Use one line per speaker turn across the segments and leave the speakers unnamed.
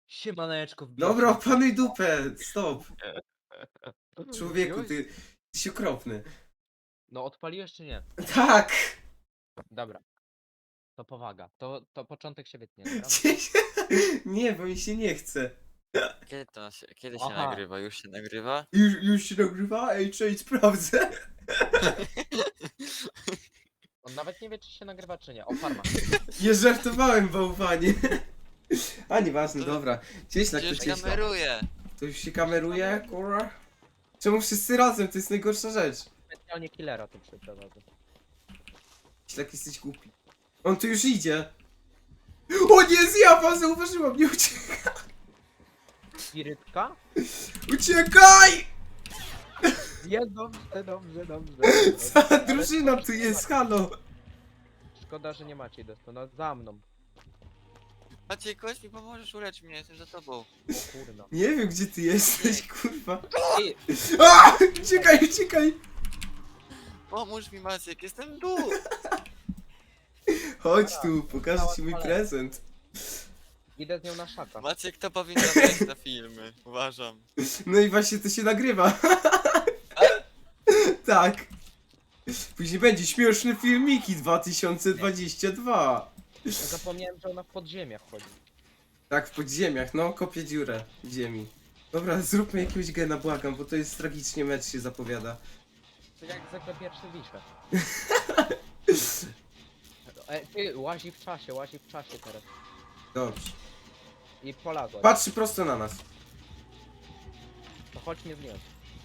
Siemaneczko,
Dobra,
wbijcie.
opanuj dupę, stop. Człowieku,
Już?
ty jesteś okropny.
No odpaliłeś czy nie?
Tak!
Dobra. To powaga. To początek się wytnie, dobra?
Nie, bo mi się nie chce.
Kiedy się
Aha.
nagrywa? Już się nagrywa?
Już się nagrywa? Ej, cześć, sprawdzę.
On nawet nie wie, czy się nagrywa, czy nie. O, farma.
Nie żartowałem, bałwanie. A, nieważne,
To-
dobra. Cieślak, to
Przecież
cieślak.
kameruję!
To już się kameruje, kurwa? Czemu wszyscy razem? To jest najgorsza rzecz.
Specjalnie killera tu przeprowadzę.
Cieślak, jesteś głupi. On tu już idzie. O nie, zjawa, zauważyła mnie,
Spirytka?
uciekaj!
Jest dobrze, dobrze.
Cała drużyna tu jest, halo.
Szkoda, że nie macie dostu. No za mną.
Maciek, chodź mi pomożesz, ulecz mnie, jestem za tobą.
O kurna.
Nie wiem, gdzie ty jesteś, kurwa.
Ej,
A! Uciekaj, uciekaj!
Pomóż mi, Maciek, jestem tu!
Chodź tu, pokażę ci mój prezent.
idę z nią na szaka.
Maciek to powinno wejść na filmy, uważam.
No i właśnie to się nagrywa. Tak. Później będzie śmieszne filmiki 2022.
Zapomniałem, że ona w podziemiach chodzi.
Tak, w podziemiach, no, kopię dziurę w ziemi. Dobra, zróbmy jakiegoś gena, błagam, bo to jest tragicznie mecz się zapowiada.
To jak zwykle pierwszy wiszę. Ty, łazi w czasie teraz.
Dobrze.
I polazła.
Patrzy prosto na nas.
To chodź mnie zdjąć.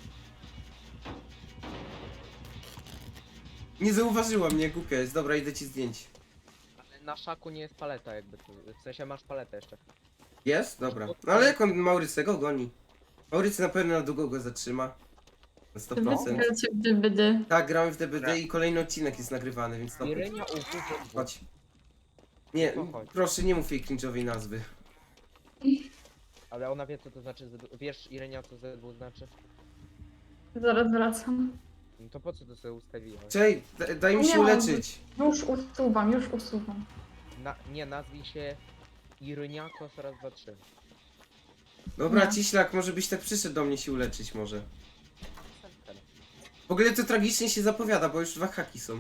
Nie zauważyła mnie, głupia jest. Dobra, idę ci zdjęć.
Ale na szaku nie jest paleta jakby tu. W sensie masz paletę jeszcze.
Jest? Dobra. No ale jak on Maurycego go goni? Maurycy na pewno na długo go zatrzyma. Na 100%.
Gracie w DBD.
Tak, gramy w DBD i kolejny odcinek jest nagrywany, więc to
Irynia uwód.
chodź. Nie,
To chodź.
proszę nie mów jej cringe'owej nazwy.
Ale ona wie co to znaczy. Wiesz Irynia co ZW znaczy?
Zaraz wracam.
No to po co to sobie ustawiłeś?
Czej, daj mi się
Nie,
uleczyć.
Już usuwam, już usuwam.
Nie, nazwij się Iryniakos raz, dwa, trzy.
Dobra,
Nie.
Ciślak, może byś tak przyszedł do mnie się uleczyć może. W ogóle to tragicznie się zapowiada, bo już 2 haki są.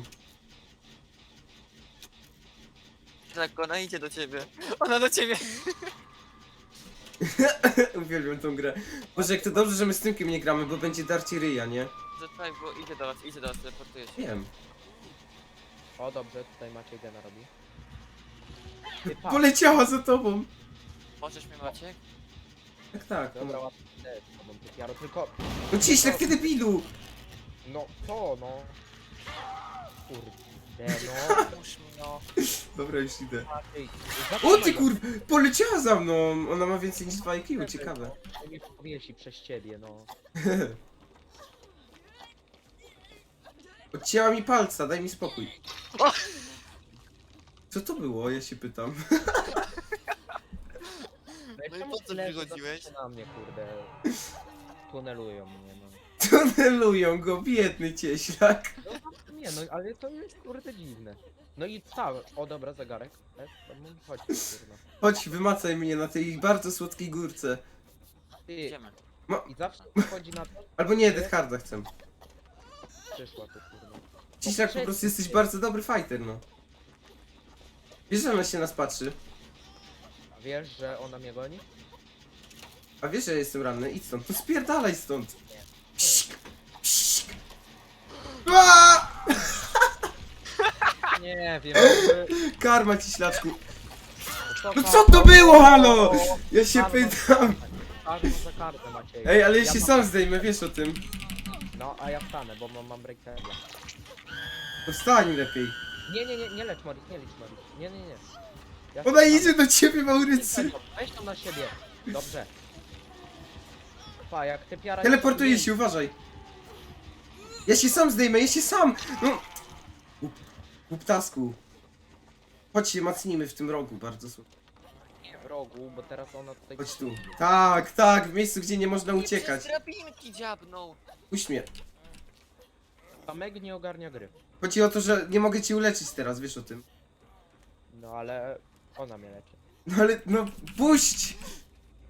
Tak, ona idzie do ciebie. Ona do ciebie!
Uwielbiam tą grę. Boże, jak to dobrze, że my z Tymkiem nie gramy, bo będzie darcie ryja, nie?
Zaczekaj, bo idzie do was, teleportuje się.
Wiem.
O dobrze, tutaj Maciej gena robi. Ty, patrz.
Poleciała za tobą.
Możesz mnie, Maciek?
Tak, tak.
Dobra,
No,
łatwo też, bo ty piaro, tylko...
no Ciślak, ty debilu!
No, co no? Kurde, no.
Pomóż mi, no.
Dobra, już idę.
Maciej,
O ty kurw! Poleciała za mną! Ona ma więcej niż 2 IQ, ciekawe.
To mnie powiesi przez ciebie, no.
Odcięła mi palca, daj mi spokój.
O!
Co to było? Ja się pytam.
No i
czemu
po co
leży
przychodziłeś?
na mnie, kurde. Tunelują mnie, no.
Tunelują go, biedny cieślak.
No nie, no ale to jest kurde dziwne. No i cały. O dobra, zegarek. To chodź, kurwa.
Chodź, wymacaj mnie na tej bardzo słodkiej górce.
Ty,
Idziemy.
i zawsze chodzi na to,
Albo nie, Death Harda chcę.
przyszła tu kurwa.
Ciślak, po prostu jesteś bardzo dobry fighter, no. Wiesz, że ona się nas patrzy?
A wiesz, że ona mnie goni?
A wiesz, że ja jestem ranny? Idź stąd. To spierdalaj stąd. Psik, psik. Aaaa!
Nie wiem,
Karma, ciślaczku. No co to było, halo? Ja się pytam.
Karma za kartę Maciej.
Ej, ale ja się
mam-
sam zdejmę, wiesz o tym.
No, a ja wstanę, bo mam breakera.
To wstań lepiej.
Nie lecz Morris, nie lecz Morris. Nie. Ja
Ona
wstanę.
idzie do ciebie, Maurycy.
Weź to na siebie. Dobrze. Pa, jak ty piara...
Teleportuje się, uważaj. Ja się sam zdejmę, ja się sam. No. Głuptasku. Chodź się macnijmy w tym rogu, bardzo słodko.
Nie w rogu, bo teraz ona tutaj...
Chodź tu. Tak, tak, w miejscu, gdzie nie można uciekać.
Przez drabinki dziabnął.
Puść mnie.
A Meg nie ogarnia gry.
Chodzi o to, że nie mogę cię uleczyć teraz, wiesz o tym.
No ale... Ona mnie leczy.
No ale, no puść!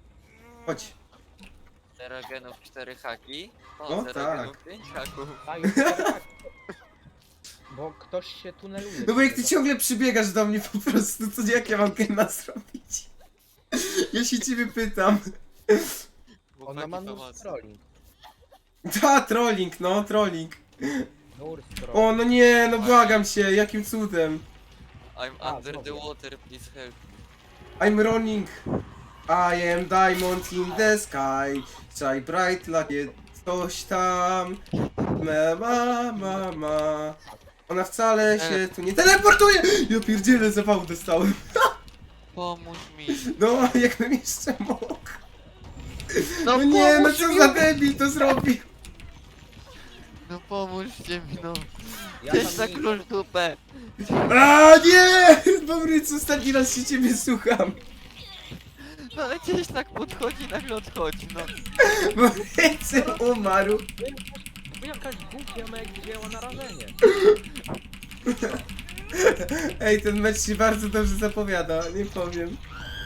Chodź.
0 genów, 4 haki. O,
No
0
tak.
genów, 5 haków.
A już tak. Bo ktoś się tuneluje.
No bo jak ty ciągle przybiegasz do mnie po prostu, to jak ja mam gena zrobić? Ja się ciebie pytam.
Ona ma
Chłopaki,
nóż
pomocy.
trolling.
Ta, trolling, no, trolling.
Nur trolling.
O, no nie, no błagam cię, jakim cudem.
I'm
A,
under the
znowu.
water, please help.
I'm running. I am diamond in the sky. Shine bright like coś tam. Ma. Ona wcale się tu nie teleportuje! Ja pierdzielę, zawału dostałem.
Pomóż mi.
No, jakbym jeszcze mógł.
No,
No nie, no
pomóż
co
mi.
za debil to zrobił.
No pomóżcie mi, no.
Ja
Gdzieś
tam
na
nie
klucz dupę.
A nie! Bobryc, ostatni raz się ciebie słucham.
No ale gdzieś tak podchodzi, nagle odchodzi, no.
Bobrycy umarł.
Bo jakaś głupia meg wzięła narażenie.
Ej, ten mecz się bardzo dobrze zapowiada, nie powiem.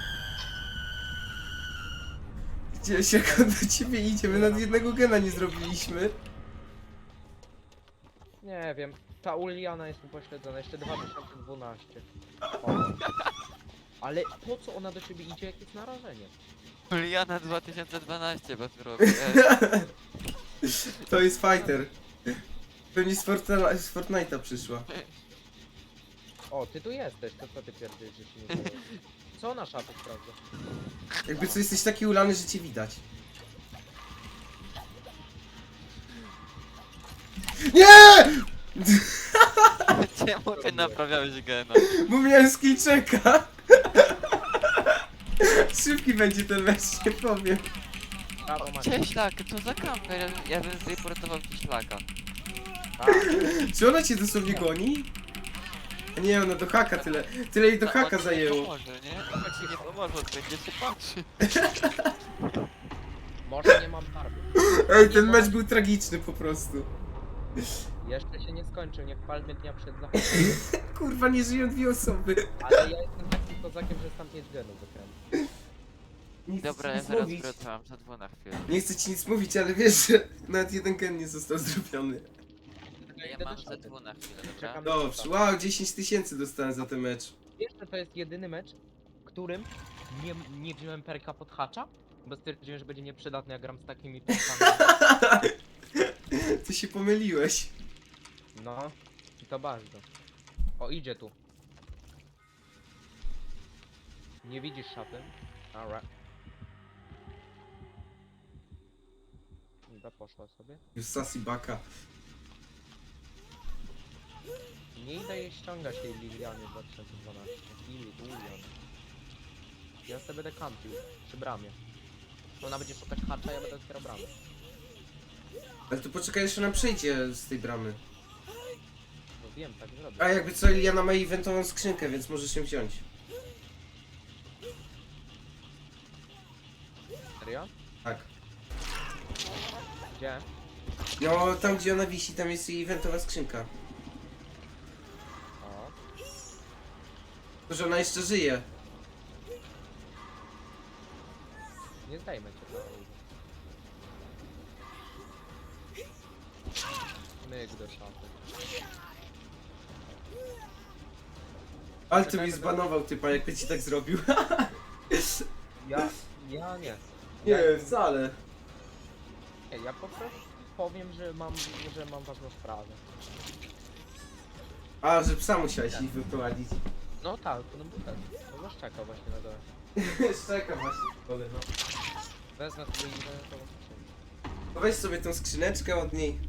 Gdzieś jak on do ciebie idzie, my nawet jednego gena nie zrobiliśmy.
Nie wiem. Ta Uliana jest upośledzona. Jeszcze 2012. O. Ale po co ona do ciebie idzie, jak jest narażenie?
Juliana 2012, bo tu robię.
To jest fighter. Pewnie z Fortnite'a przyszła.
O, ty tu jesteś, to co ty pierdziesz, że się nie dzieje? Co na szafie sprawdza?
Jakby co, jesteś taki ulany, że cię widać. Nie!
Czemu ty naprawiałeś gena?
Bo miałem skillczeka. Szybki będzie ten mecz, nie powiem.
Brawo, Maciek.
Cześć, tak, co za kamper? Ja bym zreportował ci szlaka.
Tak.
Czy ona cię dosłownie goni? A nie, ona do haka tyle jej do
No,
haka
on ci
zajęło.
Nie pomoże, nie? On ci nie pomoże, on będzie się patrzy.
Może nie mam barwy.
Ej, ten mecz był tragiczny po prostu.
Jeszcze się nie skończył, niech palmy dnia przed zachodem.
Kurwa, nie żyją dwie osoby.
Ale ja jestem takim kozakiem, że tam 5 genów wykręcę.
Nie chcę
Dobra,
ci
ja
nic
zaraz
mówić.
wracam, za 2 na chwilę.
Nie chcę ci nic mówić, ale wiesz, że nawet jeden gen nie został zrobiony.
Ja mam za 2 na chwilę, dobra?
Czekam.
Dobrze, wow, 10 000 dostałem za ten mecz.
Wiesz, że to jest jedyny mecz, w którym nie wziąłem perka pod hacza? Bo stwierdziłem, że będzie nieprzydatny, jak gram z takimi perkami.
Ty się pomyliłeś.
No, i to bardzo. O, idzie tu. Nie widzisz szafy? Alright. Dobra, poszła sobie.
Już Sassy Baka.
Nie idę jej ściągać tej Liliany 2012. Lilian. Ja sobie będę kampił przy bramie. Ona będzie szukać hacza, ja będę otwierał bramę.
Ale to poczekaj, jeszcze ona przejdzie z tej bramy.
No wiem, tak zrobię.
A jakby co, Liliana ma eventową skrzynkę, więc możesz ją wziąć.
Serio?
Tak.
Gdzie?
No, tam gdzie ona wisi, tam jest jej eventowa skrzynka.
O.
To, że ona jeszcze żyje.
Nie zdajmy cię to. Myk do szafy.
Ale ty mi zbanował typa, jakby ci tak zrobił.
Ja nie.
Nie, wcale.
Nie, ja po prostu powiem, że mam ważną sprawę.
A, że psa musiałeś ich wyprowadzić.
No tak, no bo tak. No masz czekał właśnie na dole.
Czeka właśnie, kole, no.
Wezmę sobie i będę to skrzynkę.
No weź sobie tą skrzyneczkę od niej.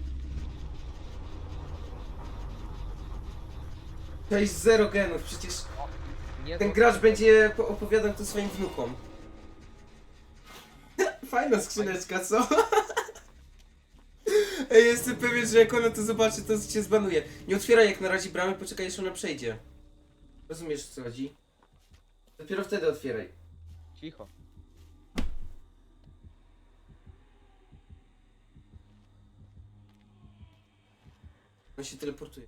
To jest 0 genów, przecież
Nie
ten
to-
gracz będzie opowiadał to swoim wnukom. Fajna skrzyneczka, co? Ej, jestem pewien, że jak ona to zobaczy, to cię zbanuje. Nie otwieraj jak na razie bramy, poczekaj, aż ona przejdzie. Rozumiesz, o co chodzi? Dopiero wtedy otwieraj.
Cicho.
On się teleportuje.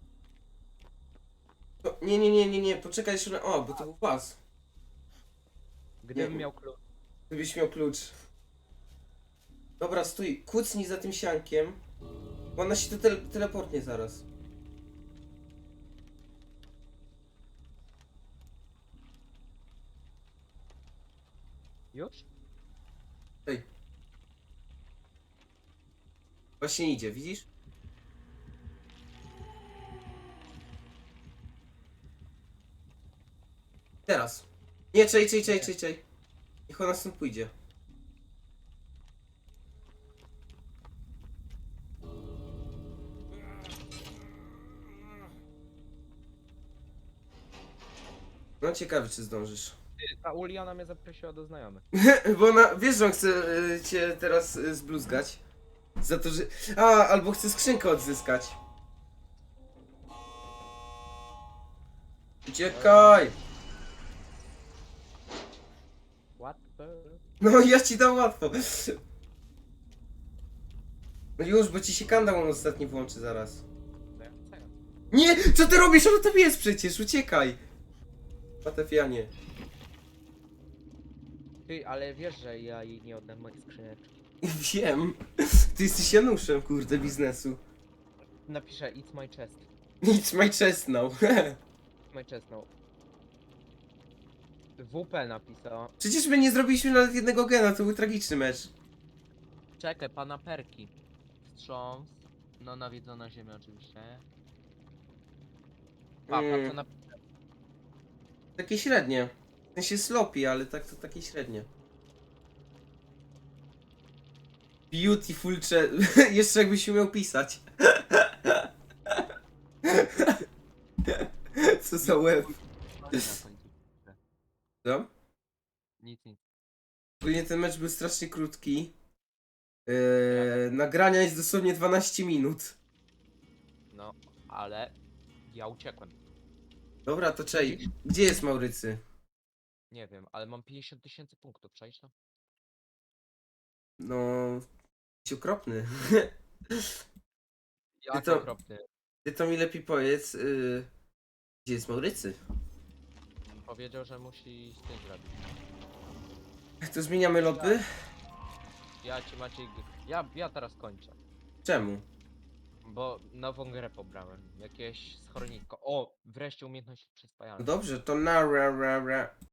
No, nie, poczekaj, aż ona... O, bo to był pas.
Gdybym
Nie.
miał klucz.
Gdybyś miał klucz. Dobra, stój, kucnij za tym siankiem. Bo ona się tu teleportnie zaraz.
Już?
Ej. Właśnie idzie, widzisz? Teraz. Nie, czej. Niech ona stąd pójdzie. No ciekawy, czy zdążysz.
Ty, ta Uliana mnie zaprosiła do znajomych.
Bo ona, wiesz, że on chce cię teraz zbluzgać. Za to, że... albo chce skrzynkę odzyskać. Uciekaj!
What the...
No ja ci dam łatwo. No już, bo ci się kandał on ostatni włączy zaraz. Nie! Co ty robisz? On tam jest przecież, uciekaj! Patefianie.
Ty, ale wiesz, że ja jej nie oddam moich skrzyneczki.
Wiem. Ty jesteś Januszem, kurde, biznesu.
Napiszę it's my chest.
It's my chest now.
It's my chest now. WP napisała.
Przecież my nie zrobiliśmy nawet jednego gena, to był tragiczny mecz.
Czekaj, pana perki. Wstrząs. No nawiedzona ziemia oczywiście.
Mm.
Co na...
Takie średnie. W sensie sloppy, ale tak to takie średnie. Beautiful chest. Jeszcze jakbyś umiał pisać. Co za łeb. Co?
Nic.
Ogólnie ten mecz był strasznie krótki. Nagrania jest dosłownie 12 minut.
No, ale ja uciekłem.
Dobra, to czej. Gdzie jest Maurycy?
Nie wiem, ale mam 50 000 punktów, przejść to?
No... Jesteś okropny.
Jak
to-
okropny.
Ty to mi lepiej powiedz, gdzie jest Maurycy?
Powiedział, że musi z tym zrobić.
To zmieniamy lobby?
Ja ci Maciej... Ja teraz kończę.
Czemu?
Bo nową grę pobrałem. Jakieś schroniko. O! Wreszcie umiejętność
No
przyspajania.
dobrze, to na ra ra ra.